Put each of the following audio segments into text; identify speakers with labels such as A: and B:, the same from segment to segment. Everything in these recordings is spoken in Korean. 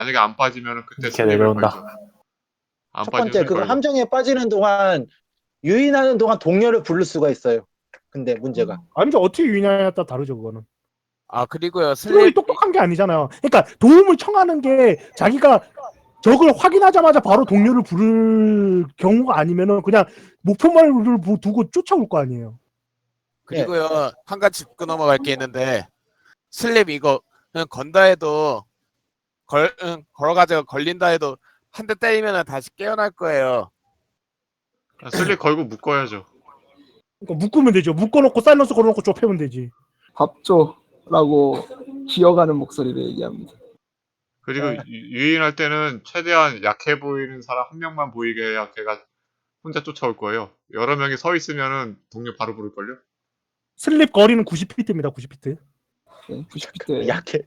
A: 만약에 안 빠지면 그때
B: 이렇게
A: 슬립을
B: 내려온다.
A: 걸죠. 안
C: 첫
A: 빠지면
C: 번째
A: 슬립
C: 그거
A: 걸고.
C: 함정에 빠지는 동안 유인하는 동안 동료를 부를 수가 있어요. 근데 문제가
D: 아니죠. 어떻게 유인하냐에 따라 다르죠, 그거는.
E: 아 그리고요
D: 트롤이
E: 슬립
D: 똑똑한 게 아니잖아요. 그러니까 도움을 청하는 게 자기가 적을 확인하자마자 바로 동료를 부를 경우가 아니면은 그냥 목표만을 두고 쫓아올 거 아니에요.
E: 그리고요 한 가지 짚고 넘어갈 게 있는데 슬립 이거 그냥 건다 해도 걸어가지고 걸린다 해도 한 대 때리면 다시 깨어날 거예요.
A: 슬립 걸고 묶어야죠.
D: 그러니까 묶으면 되죠. 묶어놓고 사일런스 걸어놓고 좁혀면 되지.
F: 밥줘라고 기어가는 목소리로 얘기합니다.
A: 그리고 유인할 때는 최대한 약해 보이는 사람 한 명만 보이게 해야 걔가 혼자 쫓아올 거예요. 여러 명이 서 있으면은 동료 바로 부를걸요?
D: 슬립 거리는 90피트입니다. 90피트.
F: 네, 90피트.
C: 약해.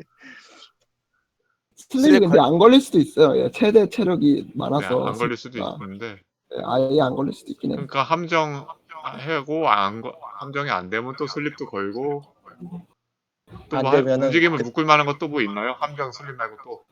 F: 슬립이 근데 안 걸릴 수도 있어요. 예, 최대 체력이
A: 네,
F: 많아서.
A: 안 걸릴 수도
F: 슬립보다.
A: 있는데.
F: 예, 아예 안 걸릴 수도 있긴 해요.
A: 그러니까 함정 하고 함정이 안 되면 또 슬립도 걸고 또
C: 안
A: 뭐
C: 되면은
A: 움직임을 묶을 만한 것 또 뭐 있나요? 함정 슬립 말고 또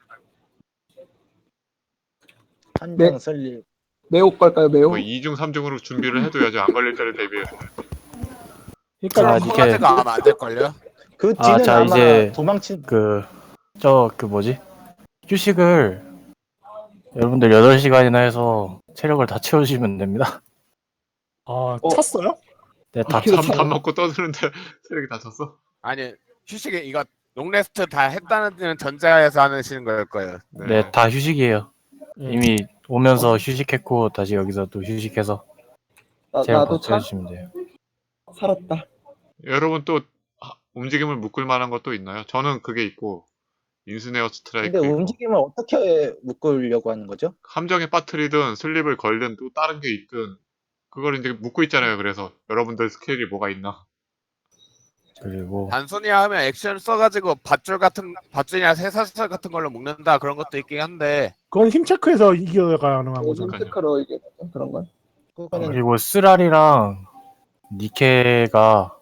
C: 함정 설립.
F: 매혹 걸까요? 매혹?
A: 뭐 2중 3중으로 준비를 해둬야죠. 안 걸릴 때를 대비해서.
D: 그러니까
B: 자,
E: 커가지고
B: 이게
E: 아마 안 될걸요?
C: 그 뒤는
B: 자,
C: 아마
B: 이제
C: 도망친
B: 뭐지? 휴식을 여러분들 8시간이나 해서 체력을 다 채우시면 됩니다.
D: 찼어요?
B: 네, 다
A: 밥 먹고 떠드는데 체력이 다 찼어?
E: 아니 휴식에 이거 롱레스트 다 했다는 전제하에서 하시는 걸 거예요.
B: 네, 다 휴식이에요. 이미 오면서 휴식했고 다시 여기서 또 휴식해서 체력
F: 나도
B: 다 채워주시면 돼요.
F: 살았다.
A: 여러분 또 움직임을 묶을 만한 것도 있나요? 저는 그게 있고 인스네어 스트라이크
C: 근데
A: 있고
C: 움직임을 어떻게 묶으려고 하는 거죠?
A: 함정에 빠뜨리든 슬립을 걸든 또 다른 게 있든 그걸 이제 묶고 있잖아요. 그래서 여러분들 스킬이 뭐가 있나?
B: 그리고
E: 단순히 하면 액션 써가지고 밧줄이나 쇠사슬 같은 걸로 묶는다 그런 것도 있긴 한데
D: 그건 힘 체크해서 이겨 가능한 거잖아요.
F: 체크로 이게 그런 건.
C: 그거는
B: 그리고 쓰라리랑 니케가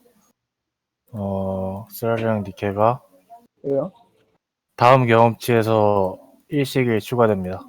F: 왜요?
B: 다음 경험치에서 일식이 추가됩니다.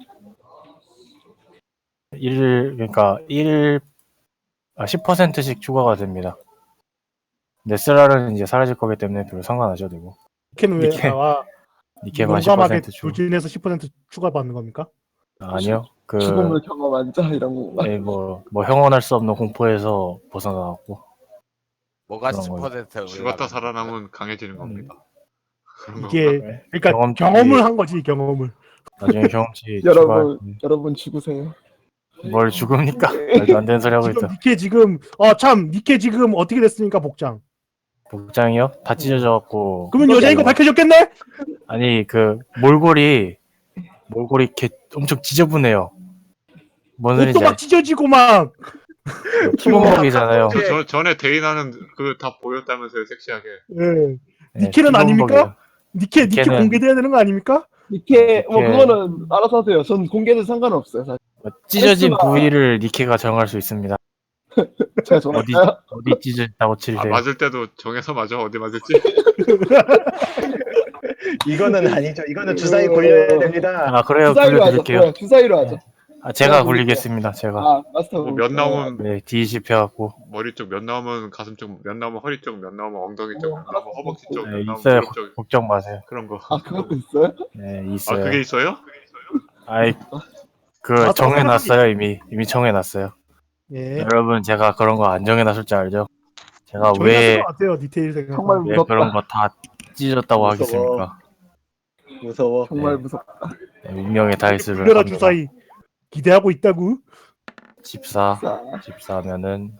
B: 10%씩 추가가 됩니다. 근데 쓰라리는 이제 사라질 거기 때문에 별로 상관 안 하셔도 되고.
D: 니케는 왜
B: 니케만
D: 용감하게
B: 10%
D: 조진해서 10% 추가받는 겁니까?
B: 아니요.
F: 죽음을 경험한 자 이런 건가?
B: 네, 뭐 형언할 수 없는 공포에서 벗어나왔고.
E: 뭐가
B: 그런
E: 10%
A: 죽었다 살아남은 강해지는 겁니다. 그런
D: 이게
A: 건가?
D: 그러니까 경험을 한 거지 경험을.
B: 나중에 경험치
F: 여러분 죽으세요.
B: 뭘 죽습니까? 말도 안 되는 소리 하고 있다.
D: 니케 지금 어떻게 됐습니까 복장?
B: 복장이요? 다 찢어져갖고.
D: 그러면 여자인 거 밝혀졌겠네?
B: 아니 몰골이 엄청 지저분해요. 뭔
D: 옷도
B: 소리인지
D: 막 찢어지고 막.
B: 키본복이잖아요.
A: 전에 데이나는 그 다 보였다면서요, 섹시하게.
D: 예. 니케는 아닙니까? 니케 공개돼야 되는 거 아닙니까?
F: 니케 그거는 알아서 하세요. 전 공개는 상관없어요. 사실.
B: 찢어진 부위를 니케가 정할 수 있습니다.
F: 제가 정할까요?
B: 어디 찢어졌다고 칠래?
A: 맞을 때도 정해서 맞아. 어디 맞을지.
C: 이거는 아니죠. 이거는 주사위 굴려야 됩니다.
B: 그래요.
F: 주사위로
B: 굴려드릴게요.
F: 하죠. 주사위로 하죠.
B: 제가 굴리겠습니다. 제가.
F: 마스터.
A: 몇 나오면
B: 네, D20 해갖고.
A: 머리 쪽, 몇 나오면 가슴 쪽, 몇 나오면 허리 쪽, 몇 나오면 엉덩이 쪽, 몇 나오면 허벅지 쪽,
B: 네,
A: 몇 나오면
B: 있어요.
A: 무릎 쪽.
B: 걱정 마세요.
A: 그런 거.
F: 그것도 있어요?
B: 네, 있어요.
A: 그게 있어요?
B: 정해놨어요. 이미 정해놨어요.
D: 예.
B: 여러분 제가 그런 거 안 정해놨을 줄 알죠? 제가
D: 정해놨을 것 같아요 디테일 생각.
F: 정말
B: 왜
F: 무섭다.
B: 그런 거 다 찢어졌다고
C: 무서워.
B: 하겠습니까?
C: 무서워.
F: 정말
B: 네.
F: 무섭다.
B: 운명의 다이스를
D: 굴려라
B: 합니다.
D: 주사위. 기대하고 있다고.
B: 집사면은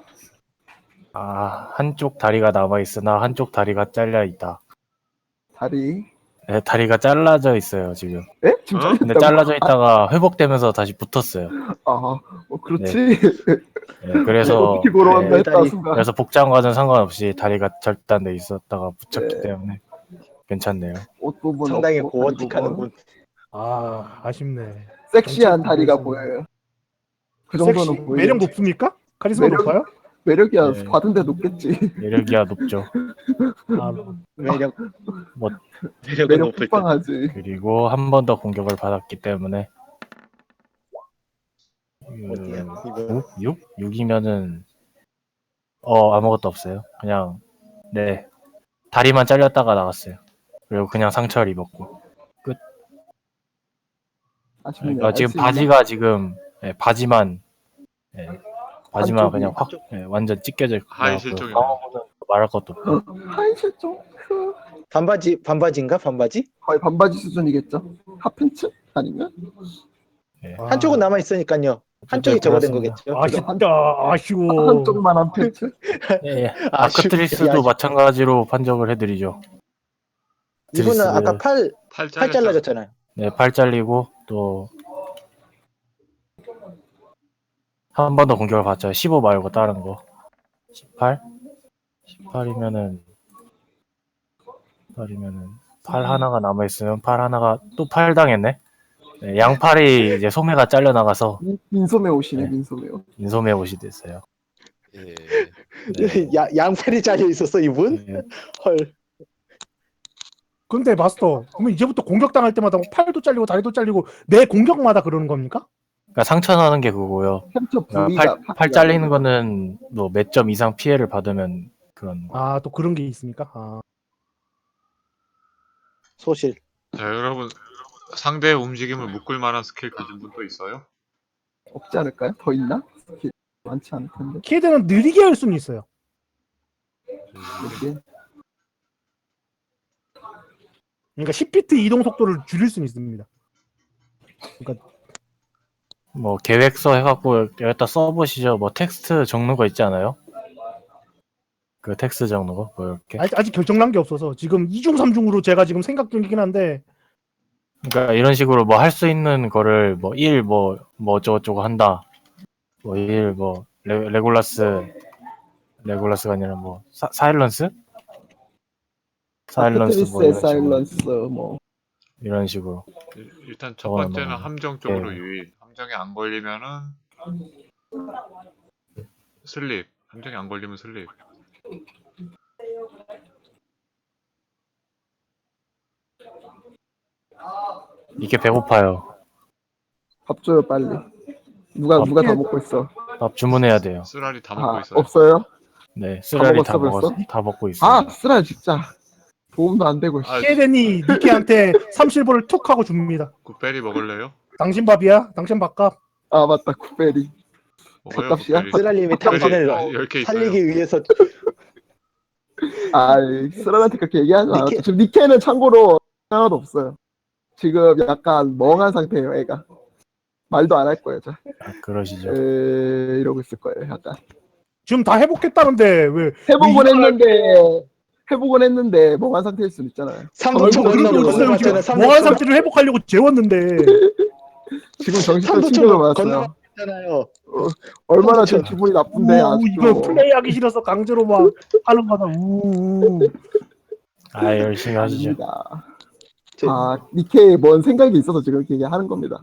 B: 한쪽 다리가 남아있으나 한쪽 다리가 잘려있다.
F: 다리.
B: 네, 다리가 잘라져 있어요 지금.
F: 에? 지금
A: 어?
B: 근데 잘라져 있다가 회복되면서 다시 붙었어요.
F: 그렇지.
B: 네, 그래서
F: 어떻게 걸어간다 했다
C: 다리.
F: 순간.
B: 그래서 복장과는 상관없이 다리가 절단돼 있었다가 붙였기
F: 네.
B: 때문에 괜찮네요.
F: 옷 부분
C: 상당히
F: 없고,
C: 고어틱하는군.
D: 아쉽네.
F: 섹시한
D: 정치
F: 다리가
D: 부분에서는.
F: 보여요. 그 정도는 보여요.
D: 매력 높습니까? 카리스마
F: 매력-
D: 높아요?
F: 매력이야.
B: 네.
F: 받은 데 높겠지.
B: 매력이야 높죠.
D: 아,
C: 매력
B: 뭐
C: 매력은
F: 매력
C: 높을 듯.
F: 폭방하지.
B: 그리고 한 번 더 공격을 받았기 때문에
C: 어디야? 이거
B: 6? 6이면은 아무것도 없어요. 그냥 네 다리만 잘렸다가 나갔어요. 그리고 그냥 상처를 입었고.
F: 아쉽네.
B: 그러니까 지금
F: 알수 있나?
B: 바지가 지금 바지만 바지만
C: 한쪽이-
B: 그냥 확 완전 찢겨져 있고
A: 하이 실종이네.
B: 상어는 말할 것도 없고.
F: 하이 실종.
C: 반바지인가 반바지?
F: 거의 반바지 수준이겠죠. 핫팬츠 아니면?
C: 한쪽은 남아 있으니까요. 한쪽이 저거 된
B: 그렇습니다.
C: 거겠죠.
D: 아쉽다. 아쉬워.
F: 한쪽만 한 팬츠?
B: 예, 예.
C: 아쉽-
B: 아크트리스도
C: 아쉽-
B: 마찬가지로 판정을 해드리죠.
C: 이분은
B: 드리스.
C: 아까 팔
A: 팔
C: 잘라졌잖아요.
B: 네, 팔 잘리고 또 한 번 더 공격을 받죠. 15 말고 다른 거. 18? 18이면은 팔 하나가 남아 있으면 팔 하나가 또 팔 당했네. 네, 양팔이 이제 소매가 잘려 나가서
F: 민소매 옷이네.
B: 네.
F: 민소매 옷.
B: 인소매 옷이 됐어요.
E: 예.
B: 네.
C: 양팔이 잘려 있었어 이분?
B: 네.
C: 헐.
D: 근데 마스터, 그러면 이제부터 공격당할 때마다 팔도 잘리고 다리도 잘리고 내 공격마다 그러는 겁니까?
B: 그러니까 상처 나는 게 그거고요.
F: 햄터
B: 그러니까
F: 부위가
B: 팔 잘리는 거는 뭐 몇 점 이상 피해를 받으면 그런 거.
D: 아, 또 그런 게 있습니까? 아.
C: 소실.
A: 자, 여러분 상대의 움직임을 묶을 만한 스킬 가진 분 또 있어요?
F: 없지 않을까요? 더 있나? 스킬 많지 않을 텐데.
D: 키드는 느리게 할 수는 있어요.
F: 이게
D: 그러니까 10비트 이동 속도를 줄일 수는 있습니다.
B: 뭐 계획서 해갖고 여기다 써보시죠. 뭐 텍스트 적는 거 있지 않아요? 그 텍스트 적는 거? 뭐 이렇게.
D: 아직 결정난 게 없어서 지금 2중 3중으로 제가 지금 생각 중이긴 한데
B: 그러니까 이런 식으로 뭐 할 수 있는 거를 뭐 1 뭐 어쩌고저쩌고 한다. 뭐 1 뭐 레골라스가 아니라 뭐 사일런스? 사일런스 뭐
F: 아크트리스의
B: 이런 식으로.
F: 사일런스 뭐
B: 이런 식으로.
A: 일단 첫
B: 저거는
A: 번째는
B: 뭐,
A: 함정 쪽으로
B: 예.
A: 유인. 함정에 안 걸리면은 슬립. 함정에 안 걸리면 슬립.
B: 이게 배고파요.
F: 밥 줘요 빨리. 누가 다 먹고 있어?
B: 밥 주문해야 돼요.
A: 쓰라리 다 먹고
F: 아
A: 있어요.
F: 없어요?
B: 네, 쓰라리 다
F: 먹었어, 벌써?
B: 다 먹고 있어요.
F: 아 쓰라 진짜 도움도 안 되고.
A: 아,
D: 키드니 니키한테 30불을 툭 하고 줍니다.
A: 굿베리 먹을래요?
D: 당신 밥이야? 당신 밥값?
F: 아 맞다 굿베리.
A: 먹어요.
F: 밥값이야?
A: 굿베리.
C: 쓰랄님이 당신을
A: 10개 있어요.
C: 살리기 위해서
F: 아 쓰라한테 그렇게 얘기하지 마.
C: 니케-
F: 지금 니케는 참고로 하나도 없어요. 지금 약간 멍한 상태예요 애가. 말도 안 할 거예요. 저.
B: 그러시죠.
F: 이러고 있을 거예요 약간.
D: 지금 다 회복했다는데 왜
F: 해보곤 했는데 멍한 상태일 수는 있잖아요.
C: 3분 전
D: 그런 거
C: 건너고
D: 있어요? 지금
C: 건너갔잖아요.
D: 뭐한 상태를 회복하려고 재웠는데
F: 지금 정신적
C: 3분
F: 충격을
C: 전
F: 받았어요.
C: 건너갔잖아요.
F: 얼마나 제
C: 삼분
F: 기분이 나쁜데
D: 우, 이거
F: 아직도.
D: 플레이하기 싫어서 강제로 막 하는 거다. 우.
B: 아, 열심히 하시죠.
F: 아닙니다.
C: 저-
F: 아 니케에 뭔 생각이 있어서 지금 이렇게 하는 겁니다.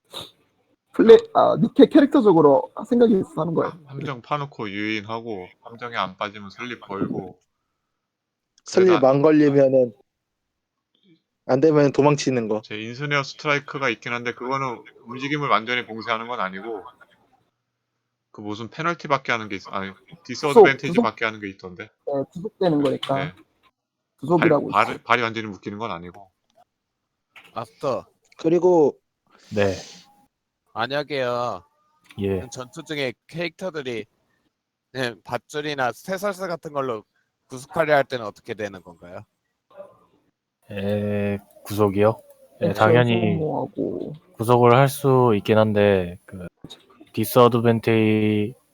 F: 니케 캐릭터적으로 생각이 있어서 하는 거예요.
A: 함정 파놓고 유인하고 함정에 안 빠지면 슬립 걸고
C: 슬립 안 걸리면은 안 되면 도망치는 거.
A: 제 인스네어 스트라이크가 있긴 한데 그거는 움직임을 완전히 봉쇄하는 건 아니고 그 무슨 페널티 받게 하는 게 있어. 아니 디스어드밴티지
F: 구속?
A: 받게 하는 게 있던데.
F: 구속되는 거니까
A: 네.
F: 구속이라고 있어.
A: 발이 완전히 묶이는 건 아니고.
E: 마스터
C: 그리고
B: 네,
E: 만약에요
B: 예.
E: 전투 중에 캐릭터들이 밧줄이나 쇠설사 같은 걸로 구속하려 할 때는 어떻게 되는 건가요?
B: 구속이요? 네, 당연히
F: 소모하고.
B: 구속을 할 수 있긴 한데 그 디스어드밴테이지를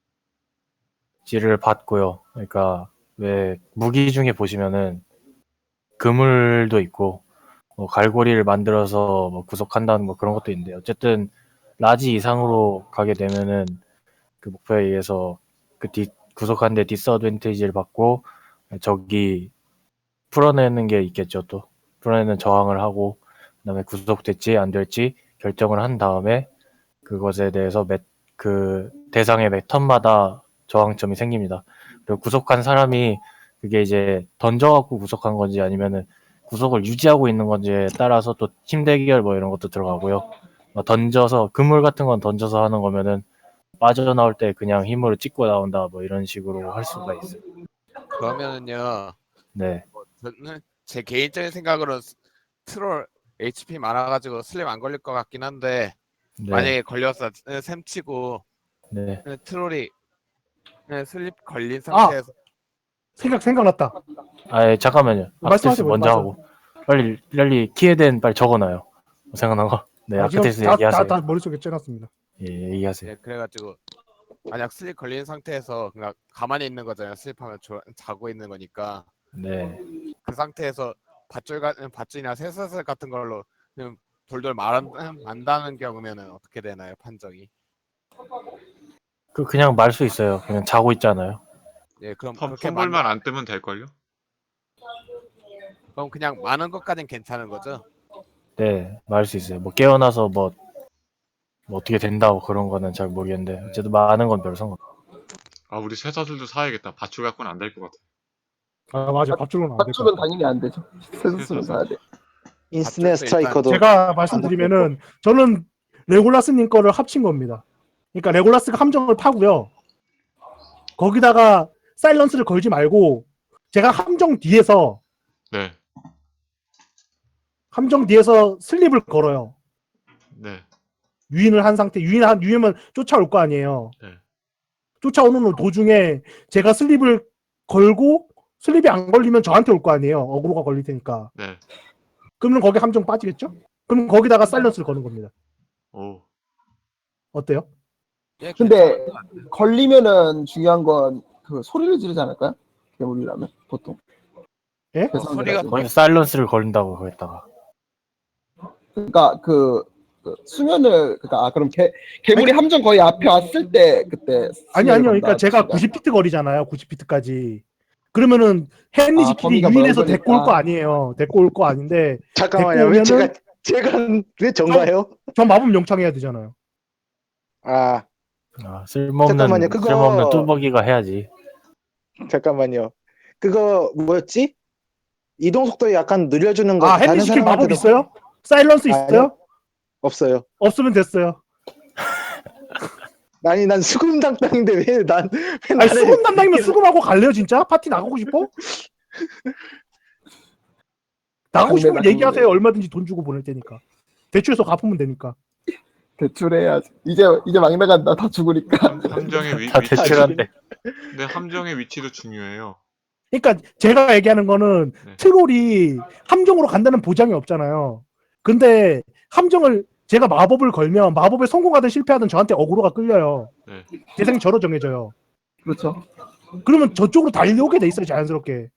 B: 받고요. 그러니까 왜 무기 중에 보시면은 그물도 있고 뭐 갈고리를 만들어서 뭐 구속한다는 뭐 그런 것도 있는데 어쨌든 라지 이상으로 가게 되면은 그 목표에 의해서 그 구속하는데 디스어드밴테이지를 받고 적이 풀어내는 게 있겠죠. 또 풀어내는 저항을 하고 그다음에 구속될지 안 될지 결정을 한 다음에 그것에 대해서 그 대상의 매 턴마다 저항점이 생깁니다. 그리고 구속한 사람이 그게 이제 던져갖고 구속한 건지 아니면은 구속을 유지하고 있는 건지에 따라서 또 팀 대결 뭐 이런 것도 들어가고요. 던져서 그물 같은 건 던져서 하는 거면은 빠져나올 때 그냥 힘으로 찍고 나온다 뭐 이런 식으로 할 수가 있어요.
E: 그러면은요,
B: 네,
E: 저는 제 개인적인 생각으로 트롤 HP 많아가지고 슬립 안 걸릴 것 같긴 한데
B: 네,
E: 만약에 걸려서 셈치고
B: 네.
E: 트롤이 슬립 걸린
D: 아!
E: 상태에서
D: 생각났다.
B: 잠깐만요.
D: 말씀하세요,
B: 아크테스 먼저
D: 맞아요.
B: 하고 빨리 키에덴 빨리 적어놔요. 생각난 거. 네,
D: 지금
B: 아크테스 얘기하세요.
D: 다 머릿속에 째놨습니다.
B: 예, 얘기하세요.
E: 그래가지고 만약 슬립 걸린 상태에서 그냥 가만히 있는 거잖아요. 슬립하면 자고 있는 거니까
B: 네.
E: 그 상태에서 밧줄이나 쇠사슬 같은 걸로 그냥 돌돌 만다는 경우면은 어떻게 되나요, 판정이?
B: 그냥 말 수 있어요. 그냥 자고 있잖아요.
E: 예, 그럼 그렇게
A: 펌블만 안 뜨면 될걸요?
E: 그럼 그냥 많은 것까진 괜찮은 거죠?
B: 네, 말 수 있어요. 뭐 깨어나서 뭐 어떻게 된다고 그런 거는 잘 모르겠는데 어쨌든 많은 건 별 상관.
A: 아, 우리 쇠사슬도 사야겠다. 밧줄 갖고는 안 될 것 같아.
D: 아 맞아, 밥줄로는 안 될 것
F: 맞추면
D: 같아.
F: 당연히 안 되죠. 세수수는 사야 돼.
C: 인스네
E: 밧줄도
C: 스트라이커도
D: 제가 말씀드리면은 저는 레골라스님 거를 합친 겁니다. 그러니까 레골라스가 함정을 파고요. 거기다가 사일런스를 걸지 말고 제가
A: 네,
D: 함정 뒤에서 슬립을 걸어요.
A: 네,
D: 유인을 한 상태, 유인하면 쫓아올 거 아니에요.
A: 네.
D: 쫓아오는 도중에 제가 슬립을 걸고 슬립이 안 걸리면 저한테 올 거 아니에요. 어그로가 걸릴 테니까.
A: 네.
D: 그러면 거기 함정 빠지겠죠? 그럼 거기다가 사일런스를 거는 겁니다.
A: 오,
D: 어때요?
E: 예,
F: 근데 걸리면은 중요한 건 그 소리를 지르지 않을까요? 괴물이라면 보통.
D: 예?
E: 소리가
B: 거기서 사일런스를 걸린다고 거기다가.
F: 그러니까 그 수면을 그러니까 그럼 괴물이 함정 거의 앞에 왔을 때 그때
D: 아니요.
F: 수면을
D: 그러니까
F: 건다
D: 제가
F: 뜻인가요?
D: 90피트 거리잖아요. 90피트까지. 그러면은 헨리지끼리
F: 범위가
D: 유인해서 데리고 올 거
F: 넓으니까.
D: 아니에요. 데리고 올 거 아닌데
C: 잠깐만요. 왜
D: 데리고 오면은
C: 제가 왜 전가요?
D: 저 마법 영창해야 되잖아요.
C: 아
B: 쓸모없는
C: 잠깐만요.
B: 뚜벅이가 해야지.
C: 잠깐만요. 그거 뭐였지? 이동 속도 약간 늘려주는 거.
D: 아,
C: 다른
D: 헨리지킬 마법
C: 사람한테도
D: 있어요? 사일런스 있어요?
C: 아니요. 없어요.
D: 없으면 됐어요.
C: 아니 난 수금 담당인데 왜
D: 아니
C: 나를
D: 수금 담당이면 수금하고 갈래요 진짜? 파티 나가고 싶어? 나가고 싶으면
F: 당내
D: 얘기하세요. 얼마든지 돈 주고 보낼 테니까. 대출해서 갚으면 되니까.
F: 대출해야지. 이제 막 나간다. 다 죽으니까.
A: 함정의
B: 다 대출한데.
A: 근데 함정의 위치도 중요해요.
D: 그러니까 제가 얘기하는 거는
A: 네.
D: 트롤이 함정으로 간다는 보장이 없잖아요. 근데 함정을 제가 마법을 걸면 마법에 성공하든 실패하든 저한테 어그로가 끌려요.
A: 네.
D: 대상이 저로 정해져요.
F: 그렇죠.
D: 그러면 저쪽으로 달려오게 돼 있어요. 자연스럽게.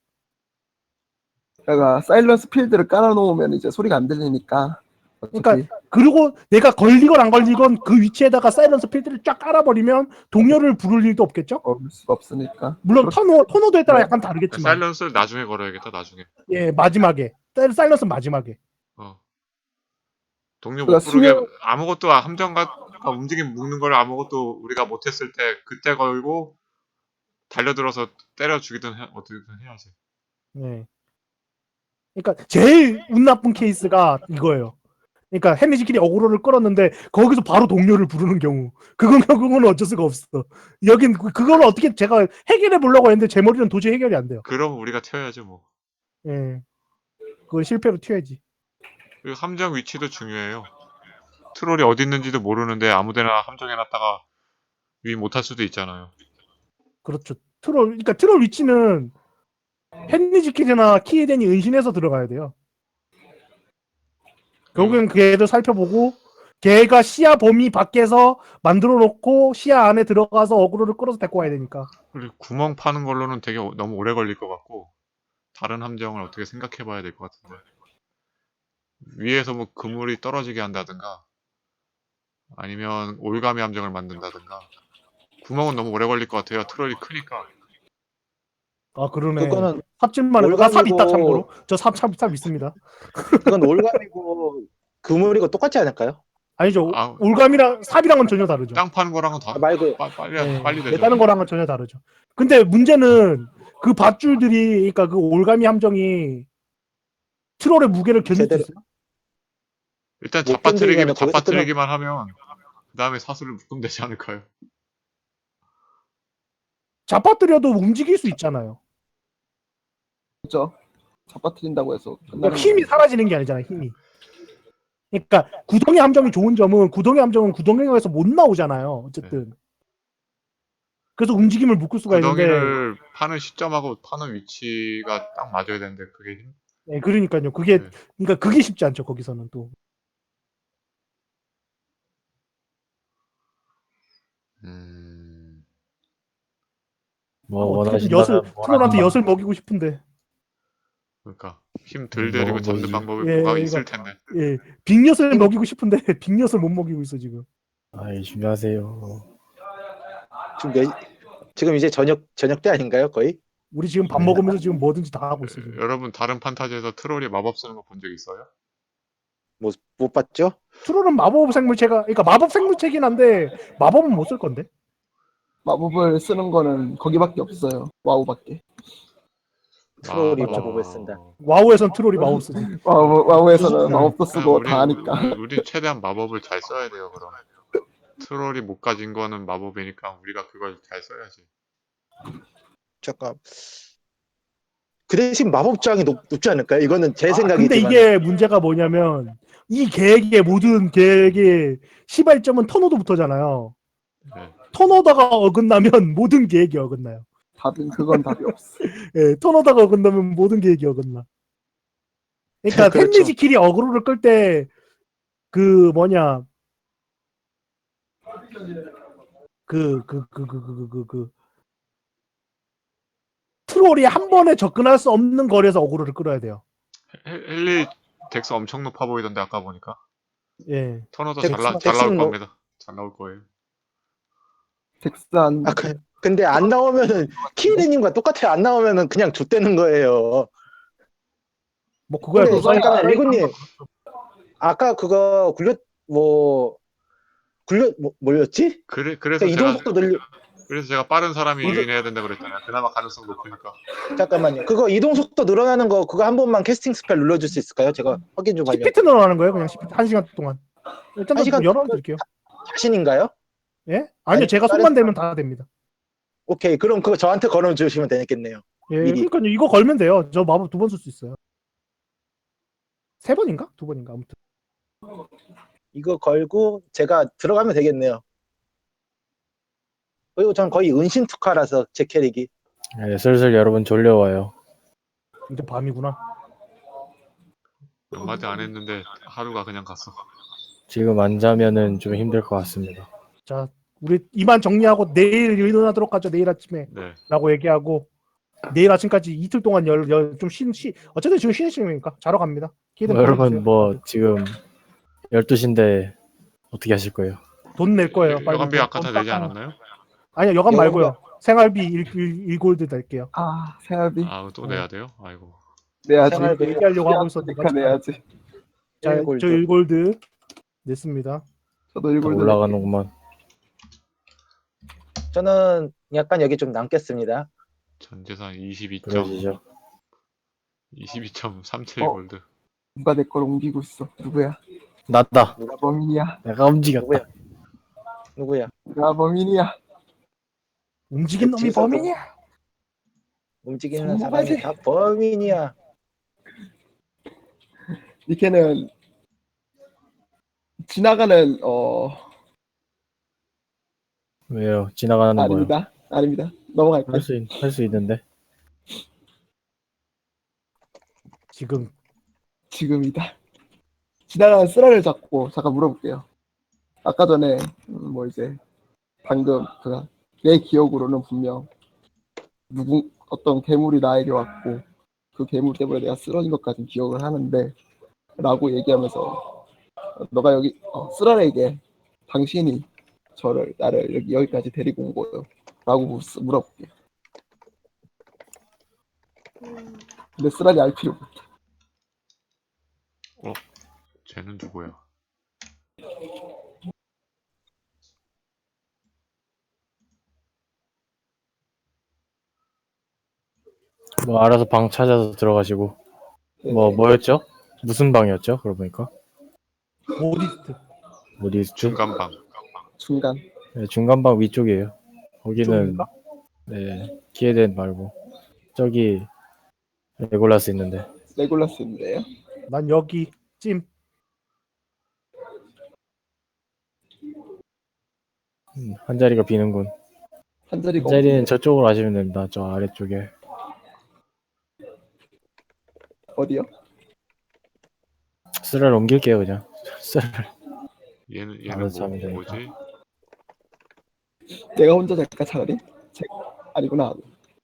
F: 그러니까 사일런스 필드를 깔아놓으면 이제 소리가 안 들리니까. 어차피
D: 그러니까 그리고 내가 걸리건 안 걸리건 그 위치에다가 사이런스 필드를 쫙 깔아버리면 동료를 부를 일도 없겠죠?
F: 올 수가 없으니까.
D: 물론 토노도에 따라 약간
A: 그러니까
D: 다르겠지만
A: 사일런스를 나중에 걸어야겠다. 나중에.
D: 예 마지막에 사이런스는 마지막에
A: 동료 못
F: 그러니까
A: 부르게
F: 수면-
A: 아무것도 함정과 움직임 묶는 걸 아무것도 우리가 못했을 때 그때 걸고 달려들어서 때려 죽이든 어떻게든 해야지.
D: 예. 그러니까 제일 운 나쁜 케이스가 이거예요. 그러니까 헨리지끼리 어그로를 끌었는데 거기서 바로 동료를 부르는 경우 그건 어쩔 수가 없어. 여긴 그걸 어떻게 제가 해결해 보려고 했는데 제 머리는 도저히 해결이 안 돼요.
A: 그럼 우리가 튀어야죠 뭐.
D: 예. 그건 실패로 튀어야지.
A: 그리고 함정 위치도 중요해요. 트롤이 어디 있는지도 모르는데 아무데나 함정해놨다가 유인 못할 수도 있잖아요.
D: 그렇죠. 그러니까 트롤 위치는 헨리지킬이나 키에덴이 은신해서 들어가야 돼요. 결국엔 그 애들 살펴보고 걔가 시야 범위 밖에서 만들어 놓고 시야 안에 들어가서 어그로를 끌어서 데리고 와야 되니까.
A: 그리고 구멍 파는 걸로는 되게 너무 오래 걸릴 것 같고 다른 함정을 어떻게 생각해봐야 될 것 같은데 위에서 뭐 그물이 떨어지게 한다든가 아니면 올가미 함정을 만든다든가 구멍은 너무 오래 걸릴 것 같아요. 트롤이 크니까.
D: 아 그러네.
C: 그거는
D: 삽질만 해도 삽
C: 올가미고-
D: 있다 참고로. 저 삽 있습니다.
C: 그건 올감이고 그물이고 똑같지 않을까요?
D: 아니죠.
A: 아.
D: 올감이랑 삽이랑은 전혀 다르죠.
A: 땅 파는 거랑은 다
C: 말고
A: 빨리
D: 네,
A: 빨리 되죠.
D: 다른 거랑은 전혀 다르죠. 근데 문제는 그 밧줄들이, 그러니까 그 올가미 함정이 트롤의 무게를 견딜 수
C: 제대로
D: 있어요?
A: 일단
C: 못 견디면은 거기서
A: 잡아뜨리기만 하면 그 다음에 사슬을 묶으면 되지 않을까요?
D: 잡아뜨려도 움직일 수 있잖아요.
F: 그죠? 잡아뜨린다고 해서
D: 그러니까
F: 끝나는
D: 힘이
F: 거
D: 사라지는 게 아니잖아요. 힘이. 그러니까 구덩이 함정이 좋은 점은 구덩이 함정은 구덩이에서 못 나오잖아요. 어쨌든. 그래서 움직임을 묶을 수가 있는데,
A: 구덩이를 파는 시점하고 파는 위치가 딱 맞아야 되는데 그게
D: 네, 그러니까요. 그게
A: 네.
D: 그러니까 그게 쉽지 않죠. 거기서는 또.
A: 음,
B: 뭐
D: 어떻게든
B: 원하신다면
D: 트롤한테 엿을 먹이고 싶은데.
A: 그러니까 힘 덜 데리고
B: 뭐
A: 잡는 방법이
D: 예,
A: 뭐가
D: 이거-
A: 있을 텐데.
D: 예, 빅엿을 먹이고 싶은데 빅엿을 못 먹이고 있어 지금.
B: 아이 준비하세요.
C: 지금 이제 저녁 때 아닌가요, 거의?
D: 우리 지금 밥
B: 네.
D: 먹으면서 지금 뭐든지 다 하고 있어 지금.
A: 여러분 다른 판타지에서 트롤이 마법 쓰는 거 본 적 있어요?
C: 못 봤죠?
D: 트롤은 마법 생물체가, 그러니까 마법 생물체긴 한데 마법은 못 쓸 건데.
F: 마법을 쓰는 거는 거기밖에 없어요. 와우밖에.
C: 트롤이
A: 마법.
C: 마법을 쓴다.
D: 와우에선 트롤이 마법 쓰지.
F: 와우에서는
D: 네.
F: 마법도 쓰고
A: 우리
F: 다 하니까.
A: 우리 최대한 마법을 잘 써야 돼요. 그럼 트롤이 못 가진 거는 마법이니까 우리가 그걸 잘 써야지.
C: 잠깐. 그 대신 마법장이 높지 않을까요? 이거는 제
D: 근데
C: 생각이지만.
D: 이게 문제가 뭐냐면 이 계획의 모든 계획의 시발점은 턴오더부터잖아요.
A: 네.
D: 턴오더가 어긋나면 모든 계획이 어긋나요.
F: 그건 답이 없어.
D: 예, 턴오더가 어긋나면 모든 계획이 어긋나. 그러니까
C: 그렇죠.
D: 템미지킬이 어그로를 끌 때 그 뭐냐 트롤이 한 번에 접근할 수 없는 거리에서 어그로를 끌어야 돼요.
A: 헨리 덱스 엄청 높아 보이던데 아까 보니까
D: 예.
A: 턴어도
C: 덱스-
A: 잘 나올
C: 덱스는 뭐-
A: 겁니다. 잘 나올 거예요.
F: 덱스한
C: 근데 안 나오면은 키리님과 똑같아요. 안 나오면은 그냥 좆되는 거예요.
D: 뭐 그거야
C: 근데
D: 무사히
C: 잠깐만 리구님 아까 그거 뭐였지?
A: 그래서
C: 이동
A: 제가
C: 속도 늘리
A: 그래서 제가 빠른 사람이
C: 이거-
A: 유인해야 된다 그랬잖아요. 그나마 가능성 높으니까.
C: 잠깐만요. 그거 이동 속도 늘어나는 거 그거 한 번만 캐스팅 스펠 눌러줄 수 있을까요? 제가 확인 좀 하려고.
D: 10피트 늘어나는 거예요. 그냥 10피트 1시간 동안. 일단
C: 한 시간
D: 열어드릴게요.
C: 자신인가요?
D: 예? 아니요,
C: 아니,
D: 제가
C: 다른
D: 손만 대면 다 됩니다.
C: 오케이. 그럼 그거 저한테 걸어주시면 되겠네요.
D: 예,
C: 미리.
D: 그러니까 이거 걸면 돼요. 저 마법 2번 쓸 수 있어요. 3번인가? 2번인가? 아무튼.
C: 이거 걸고 제가 들어가면 되겠네요. 그리고 전 거의 은신 특화라서 제 캐릭이.
B: 네, 슬슬 여러분 졸려와요.
D: 이제 밤이구나.
A: 몇 마디 안 했는데 하루가 그냥 갔어.
B: 지금 안 자면은 좀 힘들 것 같습니다.
D: 자, 우리 이만 정리하고 내일 일어나도록 하죠. 내일 아침에
A: 네.
D: 라고 얘기하고 내일 아침까지 이틀 동안 좀 어쨌든 지금 쉬는 시간이니까 자러 갑니다. 기대
B: 여러분 뭐 지금 12시인데 어떻게 하실 거예요?
D: 돈 낼 거예요. 빨리.
A: 여간비 아까 다 내지 않았나요?
D: 아니요, 여간
C: 여간비-
D: 말고요. 생활비 1골드 낼게요.
F: 생활비
A: 아, 또 내야 돼요? 아이고.
F: 내야지.
C: 생활비
D: 얘기하려고 하고 있었는데.
F: 그러니까 내야지.
D: 자,
C: 1골드.
D: 저 1골드 냈습니다.
F: 저도
B: 다
F: 일골드
B: 올라가는구만.
C: 저는 약간 여기 좀 남겠습니다.
A: 전 재산 22점
B: 그러시죠.
A: 22.37
F: 어.
A: 골드.
F: 누가 내 걸 옮기고 있어? 누구야?
B: 낫다.
F: 누가 범인이야?
B: 내가 움직였다.
C: 누구야?
F: 누가 범인이야?
D: 움직인 놈이
C: 지금
D: 범인이야.
C: 움직이는
F: 성공하지.
C: 사람이 다 범인이야.
F: 니케는 지나가는
B: 왜요? 지나가는 거요.
F: 아닙니다. 넘어갈게요.
B: 할 수 있는데.
F: 지금이다. 지나가는 쓰라를 잡고 잠깐 물어볼게요. 아까 전에 뭐 이제 방금 내 기억으로는 분명 어떤 괴물이 나에게 왔고 그 괴물 때문에 내가 쓰러진 것까지 기억을 하는데 라고 얘기하면서 너가 여기 쓰라에게 당신이 나를 여기까지 데리고 온 거예요 라고 물어볼게요. 근데 쓰라이 알 필요 없어.
A: 쟤는 누구야?
B: 뭐 알아서 방 찾아서 들어가시고.
F: 네.
B: 뭐였죠? 무슨 방이었죠? 그러고 보니까
D: 모디스트.
B: 어디스트?
A: 중간방.
F: 중간.
B: 네, 중간방 위쪽이에요. 거기는
D: 이쪽인가?
B: 네 키에덴 말고 저기 레골라스 있는데.
F: 레골라스인데요.
D: 난 여기 찜.
B: 한 자리가 비는군.
F: 한 자리가
B: 한 자리는
F: 없는데.
B: 저쪽으로 하시면 됩니다. 저 아래쪽에.
F: 어디요?
B: 쓰라를 옮길게요 그냥. 쓰라를.
A: 얘는
B: 알아서 하면 되니까.
A: 뭐지?
F: 내가 혼자 잘까 차라리? 아니구나.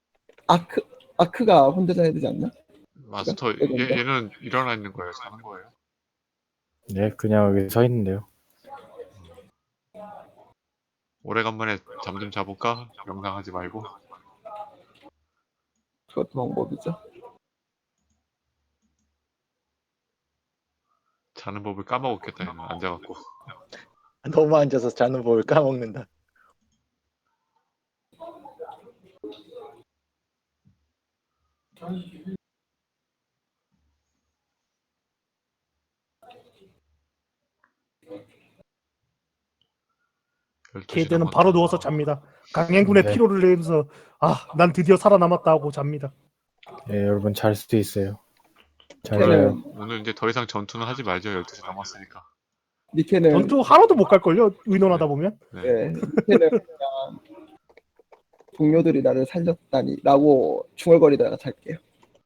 F: 아크가 혼자 자야 되지 않나?
A: 마스터
F: 이건가?
A: 얘는 일어나 있는 거예요? 자는 거예요?
B: 네 그냥 여기 서 있는데요.
A: 오래간만에 잠 좀 자볼까? 명상하지 말고.
F: 그것도 방법이죠.
A: 자는 법을 까먹었겠다 얘는 앉아갖고.
C: 너무 앉아서 자는 법을 까먹는다.
D: 케이드는 바로 누워서 잡니다. 강행군의
B: 네.
D: 피로를 내면서 난 드디어 살아남았다 하고 잡니다.
B: 네 여러분 잘 수도 있어요. 잘
F: 걔는
B: 자요.
A: 오늘 이제 더 이상 전투는 하지 말죠. 12시 넘었으니까.
F: 니케는
D: 전투 하나도 못 갈걸요? 의논하다 보면.
F: 네, 니케는 그냥 동료들이 나를 살렸다니라고 중얼거리다가 잘게요.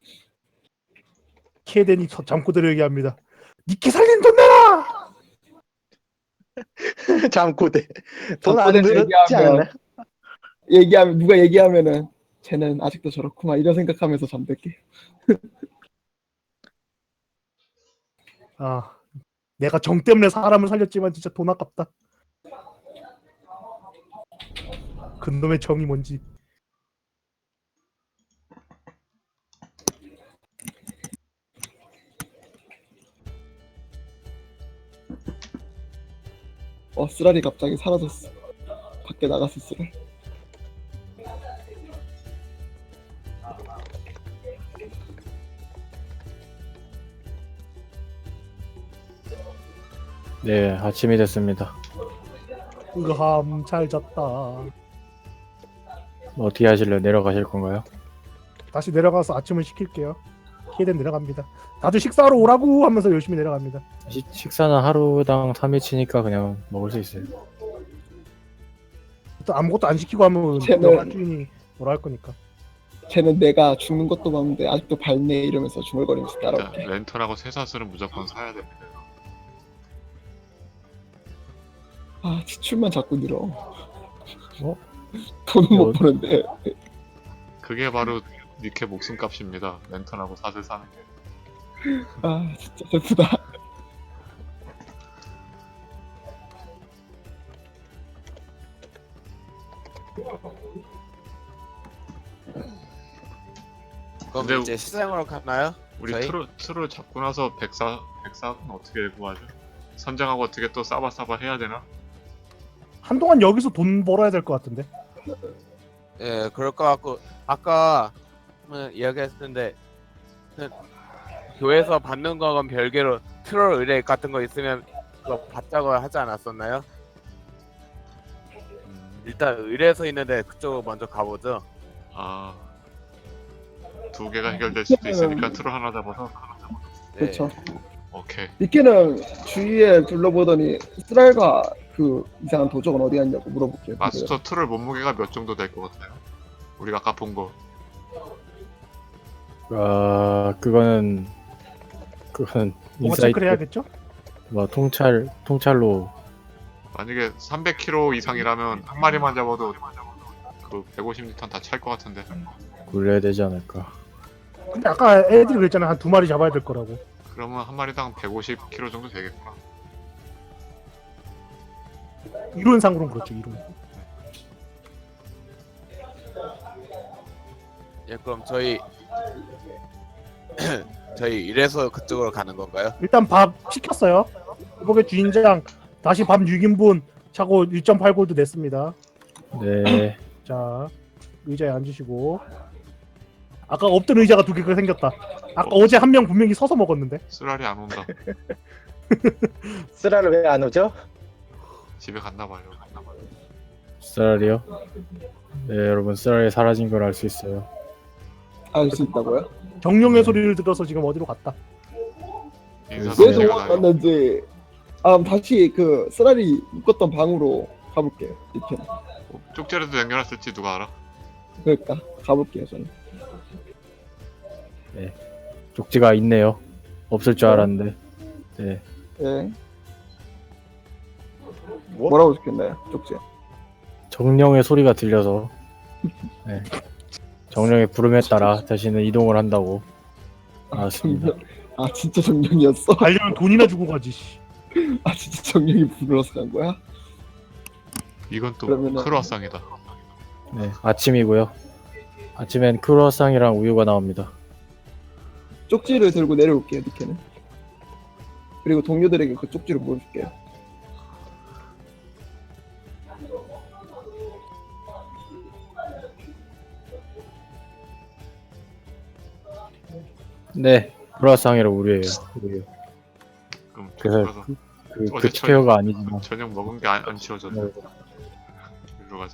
D: 케이덴이 잠꼬대를 얘기합니다. 니케 살린 돈 내라!
C: 잠꼬대. 돈 안
F: 잠꼬대
C: 들었지
F: 얘기하면-
C: 않나?
F: 누가 얘기하면은 쟤는 아직도 저렇구만 이런 생각하면서 잠들게.
D: 내가 정 때문에 사람을 살렸지만 진짜 돈 아깝다. 그놈의 정이 뭔지.
F: 쓰라리 갑자기 사라졌어. 밖에 나갔을 쓰라.
B: 네 아침이 됐습니다.
D: 으함 잘 잤다.
B: 어떻게 하실래요? 내려가실 건가요?
D: 다시 내려가서 아침을 시킬게요. 케이덴 내려갑니다. 다들 식사하러 오라고 하면서 열심히 내려갑니다.
B: 식사는 하루당 3일치니까 그냥 먹을 수 있어요.
D: 또 아무것도 안 시키고 하면
F: 쟤는-
D: 영화 주인이 뭐라 할 거니까.
F: 쟤는 내가 죽는 것도 봤는데 아직도 밝네 이러면서 중얼거리면서
A: 일단
F: 따라올게.
A: 랜턴하고 쇠사슬은 무조건 사야 됩니다.
F: 지출만 자꾸 늘어.
B: 어?
F: 돈은 못 버는데.
A: 그게 바로 니케 목숨값입니다. 랜턴하고 사슬 사는 게.
F: 진짜 슬프다.
E: 그럼
A: 근데
E: 이제 시장으로 가나요?
A: 우리
E: 저희?
A: 트를 잡고 나서 백사는 어떻게 구하죠? 선장하고 어떻게 또 싸바싸바 해야 되나?
D: 한동안 여기서 돈 벌어야 될 것 같은데.
E: 예, 그럴 것 같고 아까 이야기했는데 교회에서 받는 거건 별개로 트롤 의뢰 같은 거 있으면 그거 받자고 하지 않았었나요? 일단 의뢰서 있는데 그쪽으로 먼저 가보죠.
A: 두 개가 해결될 수도 있으니까 트를 하나 잡아서.
E: 네.
F: 그렇죠.
A: 오케이.
F: 니케는 주위에 둘러보더니 쓰랄과 그 이상한 도적은 어디 갔냐고 물어볼게요.
A: 마스터 트를 몸무게가 몇 정도 될 것 같아요? 우리가 아까 본 거.
B: 그거는
D: 뭐가
B: 인사이트
D: 체크를 해야겠죠?
B: 뭐 통찰로
A: 만약에 300kg 이상이라면 한 마리만 잡아도 그 150리터 다 찰 것 같은데.
B: 굴려야 되지 않을까.
D: 근데 아까 애들이 그랬잖아. 한 2마리 잡아야 될 거라고.
A: 그러면 한 마리당 150kg 정도 되겠구나.
D: 이론상으로는 그렇죠. 이론.
E: 예, 그럼 저희 이래서 그쪽으로 가는 건가요?
D: 일단 밥 시켰어요. 회복의 주인장 다시 밤 6인분 차고 1.8골드 냈습니다.
B: 네.
D: 자, 의자에 앉으시고. 아까 없던 의자가 두 개가 생겼다. 아까 어제 한 명 분명히 서서 먹었는데.
A: 쓰라리 안 온다.
C: 쓰라를 왜 안 오죠?
A: 집에 갔나 봐요.
B: 쓰라리요? 네, 여러분 쓰라리 사라진 걸 알 수 있어요.
F: 알 수 있다고요?
D: 정령의 소리를 들어서 지금 어디로 갔다.
A: 인사도
F: 왜
A: 제가 나요.
F: 도망갔는지 다시 그 쓰라리 묶었던 방으로 가볼게요. 이렇게
A: 쪽지라도 남겨놨을지 누가 알아?
F: 그러니까 가볼게요 저는.
B: 쪽지가 있네요. 없을 줄 알았는데. 네.
F: 예.
C: 뭐?
F: 뭐라고 적혔나요? 쪽지.
B: 정령의 소리가 들려서 네. 정령의 부름에 따라 다시는 이동을 한다고 알았습니다.
F: 진짜 정령이었어?
D: 가려면 돈이나 주고 가지. 씨.
F: 진짜 정령이 불러서 간 거야?
A: 이건 또
F: 그러면은-
A: 크로아상이다.
B: 네, 아침이고요. 아침엔 크루아상이랑 우유가 나옵니다.
F: 쪽지를 들고 내려올게요, 니케는. 그리고 동료들에게 그 쪽지를 보여줄게요.
B: 네, 크루아상이랑 우유예요. 우유.
A: 그럼
B: 그래서
A: 그래서
B: 그
A: 어제
B: 스페어가 아니지만
A: 저녁 먹은 게 안 치워졌네.
B: 네.
A: 일로 가자.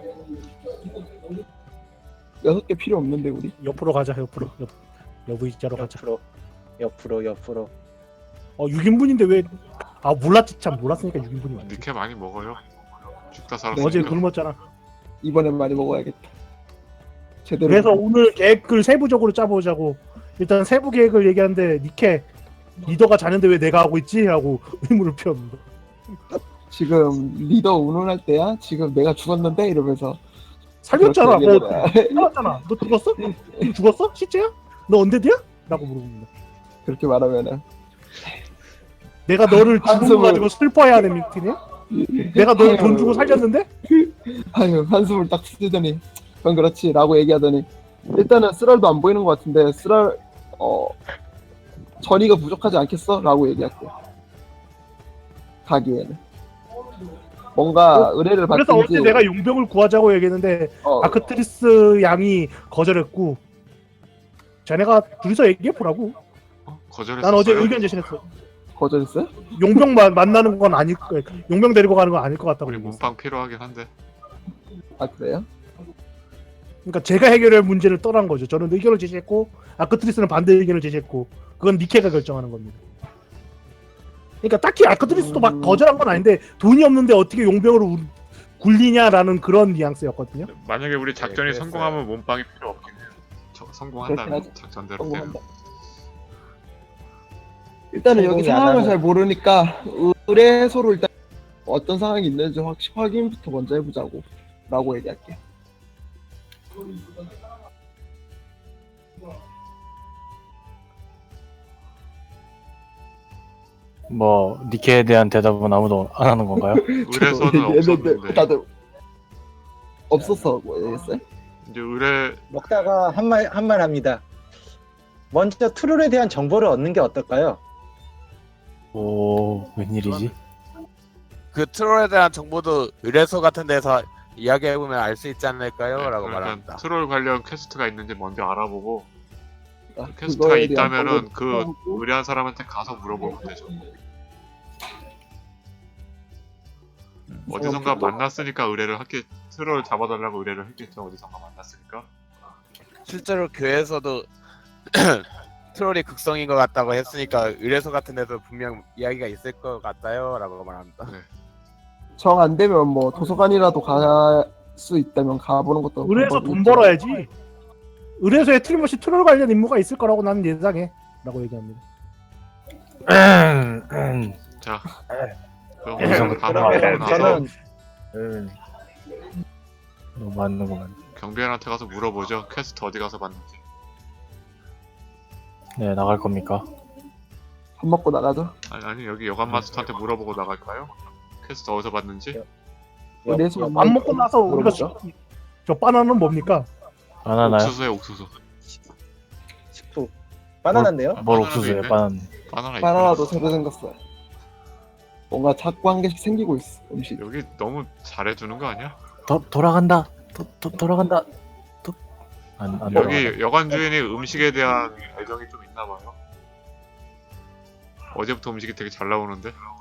F: 6개 필요 없는데 우리.
D: 옆으로 가자. 옆으로. 옆 의자로 가자.
C: 옆으로.
D: 6인분인데 왜? 아 몰랐지 참 몰랐으니까 6인분이 맞지.
A: 니케 많이 먹어요. 죽다
D: 어제
A: 살았으니까.
D: 굶었잖아.
F: 이번엔 많이 먹어야겠다. 제대로.
D: 그래서 오늘 계획을 세부적으로 짜보자고. 일단 세부 계획을 얘기하는데 니케 리더가 자는데 왜 내가 하고 있지? 하고 의문을 피웠는데.
F: 지금 리더 운운할 때야? 지금 내가 죽었는데? 이러면서
D: 살렸잖아.
F: 그렇게
D: 뭐
F: 얘기해라.
D: 살았잖아. 너 죽었어? 너 죽었어? 시체야? 너 언데드야? 라고 물어봅니다.
F: 그렇게 말하면은
D: 내가 너를 죽은 거
F: 한숨을-
D: 가지고 슬퍼해야 하는 미팅이야? 내가 너를 돈 주고 살렸는데?
F: 아유 한숨을 딱 쉬더니 그건 그렇지 라고 얘기하더니 일단은 쓰랄도 안 보이는 것 같은데 쓰랄 전이가 부족하지 않겠어? 라고 얘기할게. 가기에는 뭔가 의뢰를
D: 그래서
F: 받든지
D: 어제 내가 용병을 구하자고 얘기했는데 아크트리스 양이 거절했고 자네가 둘이서 얘기해보라고.
A: 거절했어요.
D: 난 어제 의견 제시했어.
F: 거절했어요?
D: 용병 만나는 건 아닐 거야. 용병 데리고 가는 건 아닐 것 같다고.
A: 우리
D: 얘기했어.
A: 몸빵 필요하긴 한데.
F: 아 그래요?
D: 그러니까 제가 해결할 문제를 떠난 거죠. 저는 의견을 제시했고 아크트리스는 반대 의견을 제시했고 그건 니케가 결정하는 겁니다. 그러니까 딱히 아크트리스도 막 거절한 건 아닌데 돈이 없는데 어떻게 용병으로 굴리냐라는 그런 뉘앙스였거든요.
A: 만약에 우리 작전이
C: 그랬어요.
A: 성공하면 몸빵이 필요 없긴 해요. 성공한다면
F: 그렇긴 하죠.
A: 작전대로 되는.
F: 성공한다. 일단은 여기
C: 성공이 안
F: 상황을
C: 하면-
F: 잘 모르니까 의뢰소로 일단 어떤 상황이 있는지 확인부터 먼저 해보자고 라고 얘기할게.
B: 뭐 니케에 대한 대답은 아무도 안 하는 건가요?
A: 의뢰서는 없었는데
F: 다들 없었어 뭐 얘기했어요?
A: 이제 의뢰
C: 먹다가 한 말 합니다. 먼저 트롤에 대한 정보를 얻는 게 어떨까요?
B: 오, 웬일이지?
E: 그 트롤에 대한 정보도 의뢰소 같은 데서 이야기해보면 알 수 있지 않을까요? 라고
A: 그러니까
E: 말합니다.
A: 트롤 관련 퀘스트가 있는지 먼저 알아보고
F: 아,
A: 퀘스트가
F: 그거에 대한
A: 있다면은
F: 정보를
A: 그
F: 찾아보고
A: 의뢰한 사람한테 가서 물어보면 되죠. 어디선가
F: 정보도-
A: 만났으니까 의뢰를 했겠. 트롤 잡아달라고 의뢰를 했겠죠. 어디선가 만났으니까.
E: 실제로 교회에서도 트롤이 극성인 것 같다고 했으니까 의뢰소 같은 데서 분명 이야기가 있을 것 같아요. 라고 말합니다.
F: 정 안 되면 뭐 도서관이라도 갈 수 있다면 가보는 것도
D: 의뢰에서
F: 방법이
D: 돈
F: 있죠.
D: 벌어야지. 의뢰소에 틀림없이 트롤 관련 임무가 있을 거라고 나는 예상해. 라고 얘기합니다.
A: 자, 그럼
B: 어디선가
A: 우리는 다
C: 그러면
A: 물어보고 나서
C: 저는
B: 너무 맞는구만.
A: 경비원한테 가서 물어보죠. 퀘스트 어디 가서 봤는지.
B: 네, 나갈 겁니까?
F: 밥 먹고 나가죠.
A: 아니 여기 여관 마스터한테 물어보고 나갈까요? 퀘스트 어디서 봤는지.
F: 의뢰소
D: 밥 먹고 나서 우리가
F: 물어보죠.
D: 저 바나나는 뭡니까?
B: 바나나요?
A: 옥수수에 옥수수.
C: 식품 바나나인데요?
B: 뭘
A: 바나나도
B: 옥수수예요?
A: 있네.
B: 바나나.
A: 바나나
F: 바나나도
A: 있구나.
F: 새로 생겼어요. 뭔가 자꾸 한 개씩 생기고 있어 음식.
A: 여기 너무 잘해주는 거 아니야?
B: 돌아간다. 돌아간다. 안 돌아가네.
A: 여기 여관 주인이 음식에 대한 애정이 좀 있나 봐요. 어제부터 음식이 되게 잘 나오는데.